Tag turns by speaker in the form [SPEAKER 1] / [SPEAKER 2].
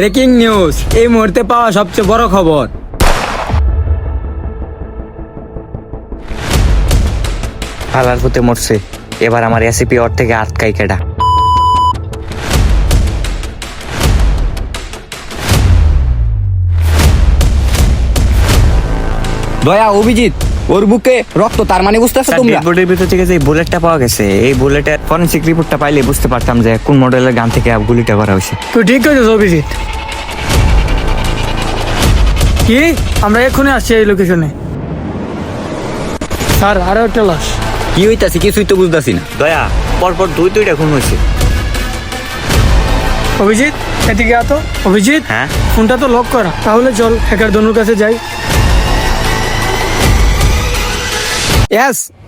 [SPEAKER 1] Breaking news, এই মুহূর্তে পাওয়া সবচেয়ে বড় খবর।
[SPEAKER 2] হালার পুতে মরছে। এবার আমার এসিপি ওর থেকে আটকাই কেডা।
[SPEAKER 3] দয়া অভিজিৎ, ওর বুকে রক্ত, তার মানে বুঝতেছো তোমরা?
[SPEAKER 2] বডির ভিতর থেকে যে বুলেটটা পাওয়া গেছে, এই বুলেটের ফরেনসিক রিপোর্টটা পাইলে বুঝতে পারতাম যে কোন মডেলের গান থেকে গুলিটা করা হয়েছে।
[SPEAKER 4] তুই ঠিক করেছিস অভিজিৎ। কি, আমরা এক্ষুনি আসছি এই লোকেশনে। স্যার, আরো একটা লাশ।
[SPEAKER 3] কি হইতাছে কিছুই তো বুঝতাছি না।
[SPEAKER 2] দয়া, পরপর দুইটা খুন হয়েছে।
[SPEAKER 4] অভিজিৎ, এদিকে আতো। অভিজিৎ,
[SPEAKER 2] হ্যাঁ?
[SPEAKER 4] ফোনটা তো লক করা। তাহলে চল হ্যাকার দনুর কাছে যাই।
[SPEAKER 3] ইয়াস,